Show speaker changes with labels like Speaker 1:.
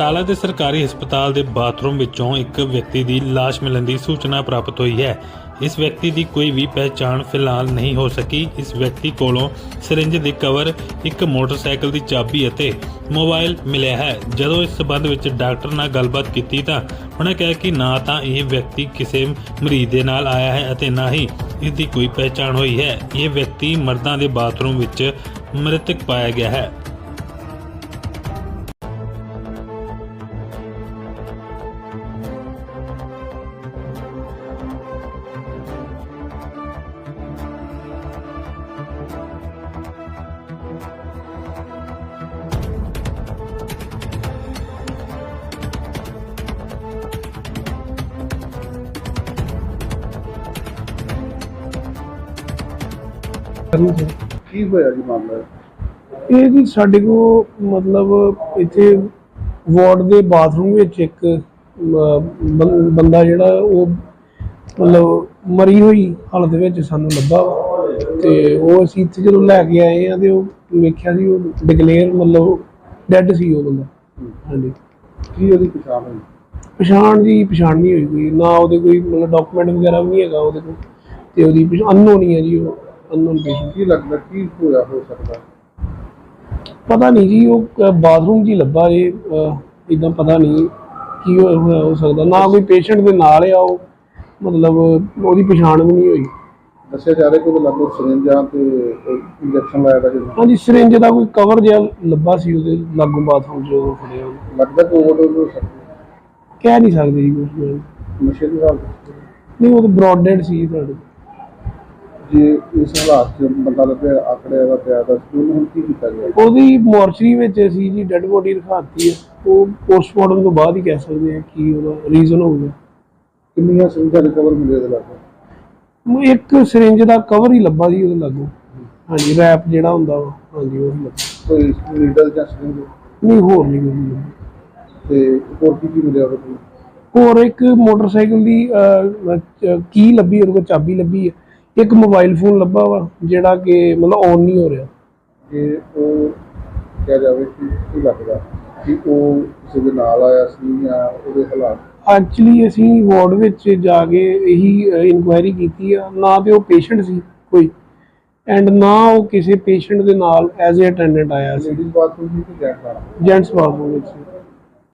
Speaker 1: ਬਟਾਲਾ ਦੇ ਸਰਕਾਰੀ ਹਸਪਤਾਲ ਦੇ ਬਾਥਰੂਮ ਵਿੱਚੋਂ ਇੱਕ ਵਿਅਕਤੀ ਦੀ ਲਾਸ਼ ਮਿਲਣ ਦੀ ਸੂਚਨਾ ਪ੍ਰਾਪਤ ਹੋਈ ਹੈ। ਇਸ ਵਿਅਕਤੀ ਦੀ ਕੋਈ ਵੀ ਪਹਿਚਾਣ ਫਿਲਹਾਲ ਨਹੀਂ ਹੋ ਸਕੀ। ਇਸ ਵਿਅਕਤੀ ਕੋਲੋਂ ਸਿਰਿੰਜ ਦੇ ਕਵਰ, ਇੱਕ ਮੋਟਰਸਾਈਕਲ ਦੀ ਚਾਬੀ ਅਤੇ ਮੋਬਾਈਲ ਮਿਲਿਆ ਹੈ। ਜਦੋਂ ਇਸ ਸਬੰਧ ਵਿੱਚ ਡਾਕਟਰ ਨਾਲ ਗੱਲਬਾਤ ਕੀਤੀ ਤਾਂ ਉਹਨਾਂ ਕਿਹਾ ਕਿ ਨਾ ਤਾਂ ਇਹ ਵਿਅਕਤੀ ਕਿਸੇ ਮਰੀਜ਼ ਦੇ ਨਾਲ ਆਇਆ ਹੈ ਅਤੇ ਨਾ ਹੀ ਇਸ ਦੀ ਕੋਈ ਪਹਿਚਾਣ ਹੋਈ ਹੈ। ਇਹ ਵਿਅਕਤੀ ਮਰਦਾਂ ਦੇ ਬਾਥਰੂਮ ਵਿੱਚ ਮ੍ਰਿਤਕ ਪਾਇਆ ਗਿਆ ਹੈ।
Speaker 2: ਕੀ ਹੋਇਆ ਜੀ ਮਾਮਲਾ?
Speaker 3: ਇਹ ਜੀ ਸਾਡੇ ਕੋਲ ਮਤਲਬ ਇੱਥੇ ਵਾਰਡ ਦੇ ਬਾਥਰੂਮ ਵਿੱਚ ਇੱਕ ਬੰਦਾ ਜਿਹੜਾ ਉਹ ਮਤਲਬ ਮਰੀ ਹੋਈ ਹਾਲਤ ਵਿੱਚ ਸਾਨੂੰ ਲੱਭਾ ਤੇ ਉਹ ਅਸੀਂ ਇੱਥੇ ਜਦੋਂ ਲੈ ਕੇ ਆਏ ਆ ਤੇ ਉਹ ਵੇਖਿਆ ਸੀ ਉਹ ਡਿਕਲੇਅਰ ਮਤਲਬ ਡੈੱਡ ਸੀ ਉਹ ਬੰਦਾ। ਹਾਂਜੀ।
Speaker 2: ਕੀ ਉਹਦੀ ਪਛਾਣ ਹੋਈ?
Speaker 3: ਪਛਾਣ ਨਹੀਂ ਹੋਈ ਕੋਈ, ਨਾ ਉਹਦੇ ਕੋਈ ਮਤਲਬ ਡਾਕੂਮੈਂਟ ਵਗੈਰਾ ਵੀ ਨਹੀਂ ਹੈਗਾ ਉਹਦੇ ਕੋਲ ਤੇ ਉਹਦੀ ਅਨਨੋਨ ਹੀ ਹੈ ਜੀ। ਉਹ ਅਨਨੋਨ ਪੇਸ਼ੈਂਟ।
Speaker 2: ਕੀ ਲੱਗਦਾ ਕੀ ਹੋਇਆ ਹੋ ਸਕਦਾ?
Speaker 3: ਪਤਾ ਨਹੀਂ ਜੀ, ਉਹ ਬਾਥਰੂਮ 'ਚ ਹੀ ਲੱਭਾ ਜੀ। ਇੱਦਾਂ ਪਤਾ ਨਹੀਂ ਕੀ ਹੋਇਆ ਹੋ ਸਕਦਾ। ਨਾ ਕੋਈ ਪੇਸ਼ੈਂਟ ਦੇ ਨਾਲ ਆ ਉਹ, ਮਤਲਬ ਉਹਦੀ ਪਛਾਣ ਵੀ ਨਹੀਂ ਹੋਈ।
Speaker 2: ਦੱਸਿਆ ਜਾ ਰਿਹਾ ਕਿ ਉਹਦੇ ਲਾਗੋਂ ਸਿਰਿੰਜਾਂ ਤੇ ਇੰਜੈਕਸ਼ਨ ਲਾਇਆ ਗਿਆ।
Speaker 3: ਹਾਂਜੀ, ਸਿਰਿੰਜ ਦਾ ਕੋਈ ਕਵਰ ਜਿਹਾ ਲੱਭਾ ਸੀ ਉਹਦੇ ਲਾਗੋਂ ਬਾਥਰੂਮ 'ਚ ਉਹ ਫੜਿਆ।
Speaker 2: ਲੱਗਦਾ ਕਿ ਓਵਰਡੋਜ਼ ਹੋ ਸਕਦੀ?
Speaker 3: ਕਹਿ ਨਹੀਂ ਸਕਦੇ ਜੀ ਕੁਝ।
Speaker 2: ਨਸ਼ੇ ਦੀ ਹਾਲਤ
Speaker 3: ਨਹੀਂ, ਉਹ ਤਾਂ ਬਰੋਡਡ ਸੀ ਤੁਹਾਡੇ।
Speaker 2: ਜੇ ਇਸ ਹਾਲਾਤ 'ਚ ਬੰਦਾ ਲੱਭਿਆ ਆਕੜਿਆ ਦਾ ਪਿਆ ਤਾਂ ਉਹਨੂੰ ਹੁਣ ਕੀ ਕੀਤਾ ਗਿਆ?
Speaker 3: ਉਹਦੀ ਮੋਰਚਰੀ ਵਿੱਚ ਅਸੀਂ ਜੀ ਡੈੱਡ ਬੋਡੀ ਰਖਾਤੀ ਹੈ। ਉਹ ਪੋਸਟਮਾਰਟਮ ਤੋਂ ਬਾਅਦ ਹੀ ਕਹਿ ਸਕਦੇ ਹਾਂ ਕੀ ਉਹਦਾ ਰੀਜ਼ਨ ਹੋਊਗਾ।
Speaker 2: ਕਿੰਨੀਆਂ ਸਿਰਿੰਜਾਂ ਰਿਕਵਰ ਮਿਲੇ ਉਹਦੇ ਲਾਗੋਂ?
Speaker 3: ਇੱਕ ਸਿਰਿੰਜ ਦਾ ਕਵਰ ਹੀ ਲੱਭਾ ਜੀ ਉਹਦੇ ਲਾਗੋਂ। ਹਾਂਜੀ, ਰੈਪ ਜਿਹੜਾ ਹੁੰਦਾ ਵਾ, ਹਾਂਜੀ ਉਹ ਹੀ ਲੱਭਾ।
Speaker 2: ਕੋਈ ਨੀਡਲ ਜਾਂ ਸਿਰਿੰਜ?
Speaker 3: ਨਹੀਂ, ਹੋਰ ਨਹੀਂ ਕੋਈ ਲੱਭਾ।
Speaker 2: ਤੇ ਹੋਰ ਕੀ ਮਿਲਿਆ ਉਹਦੇ ਕੋਲ?
Speaker 3: ਹੋਰ ਇੱਕ ਮੋਟਰਸਾਈਕਲ ਦੀ ਕੀ ਲੱਭੀ, ਉਹਦੇ ਕੋਲ ਚਾਬੀ ਲੱਭੀ ਹੈ। ਇੱਕ ਮੋਬਾਈਲ ਫੋਨ ਲੱਭਾ ਵਾ ਜਿਹੜਾ ਕਿ ਮਤਲਬ ਔਨ ਨਹੀਂ ਹੋ ਰਿਹਾ।
Speaker 2: ਜੇ ਉਹ ਕਿਹਾ ਜਾਵੇ ਕਿ ਕੀ ਲੱਗਦਾ ਕਿ ਉਹ ਕਿਸੇ ਦੇ ਨਾਲ ਆਇਆ ਸੀ ਜਾਂ ਉਹਦੇ ਹਾਲਾਤ?
Speaker 3: ਐਕਚੁਅਲੀ ਅਸੀਂ ਵਾਰਡ ਵਿੱਚ ਜਾ ਕੇ ਇਹੀ ਇਨਕੁਆਇਰੀ ਕੀਤੀ ਆ। ਨਾ ਤੇ ਉਹ ਪੇਸ਼ੈਂਟ ਸੀ ਕੋਈ, ਐਂਡ ਨਾ ਉਹ ਕਿਸੇ ਪੇਸ਼ੈਂਟ ਦੇ ਨਾਲ ਐਜ਼ ਏ ਅਟੈਂਡੈਂਟ ਆਇਆ ਸੀ।
Speaker 2: ਲੇਡੀਜ਼ ਬਾਥਰੂਮ ਦੀ ਕਿ ਜੈਂਟਸ ਬਾਥਰੂਮ?
Speaker 3: ਜੈਂਟਸ ਬਾਥਰੂਮ ਵਿੱਚ।